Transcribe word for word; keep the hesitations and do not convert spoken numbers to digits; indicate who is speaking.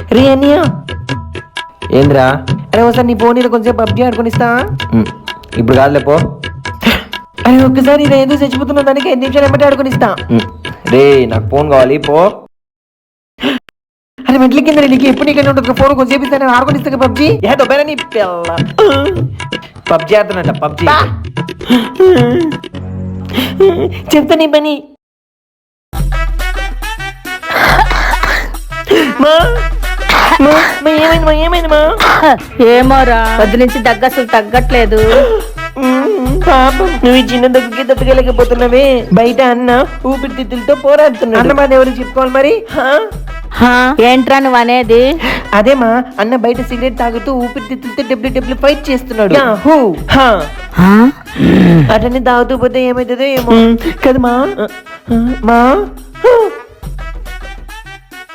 Speaker 1: రే అన్నయ్య,
Speaker 2: ఏంద్రా?
Speaker 1: అరే ఒకసారి నీ ఫోన్ మీద కొంచెం పబ్జీ ఆడుకొని ఇస్తా.
Speaker 2: ఉమ్, ఇప్పుడు కాదులే పో.
Speaker 1: అరే ఒక్కసారి ఇది ఏదో చచ్చిపోతున్న దానికి ఐదు నిమిషాలు ఎమ్మటే ఆడుకొని ఇస్తా.
Speaker 2: ఉమ్, రే నాకు ఫోన్ కావాలి పో.
Speaker 1: అరే మెట్ల కింద నీకు ఎప్పుడు నీకన్నా ఉంటుంది ఫోన్ కొంచెం ఇస్తాను ఆడుకొని ఇస్తా పబ్జీ. ఏ దొబ్బైనా నీ పిల్ల
Speaker 2: పబ్జీ ఆడుతున్నట్ట పబ్జీ.
Speaker 1: చెప్తా నీ పని. మా మా మా ఏమైంది మా ఏమైంది మా?
Speaker 3: ఏమోరా వద్దు నుంచి దగ్గు అసలు తగ్గట్లేదు.
Speaker 1: పాపం నువ్వు ఈ చిన్న దగ్గుకి తట్టుకోలేకపోతున్నావే. బయట అన్న ఊపిరితిత్తులతో పోరాడుతున్నాడు. అన్న బాధ ఎవరికి చెప్పుకోవాలి మరి?
Speaker 3: హా, ఏంట్రా నువ్వు అనేది?
Speaker 1: అదేమా అన్న బయట సిగరెట్ తాగుతూ ఊపిరితిత్తులతో డబ్ల్యూ డబ్ల్యూ ఫైట్ చేస్తున్నాడు. యాహూ. హా.
Speaker 3: హా?
Speaker 1: అటన్ని తాగుతూ పోతే ఏమైతుందో ఏమో కదమ్మా. మా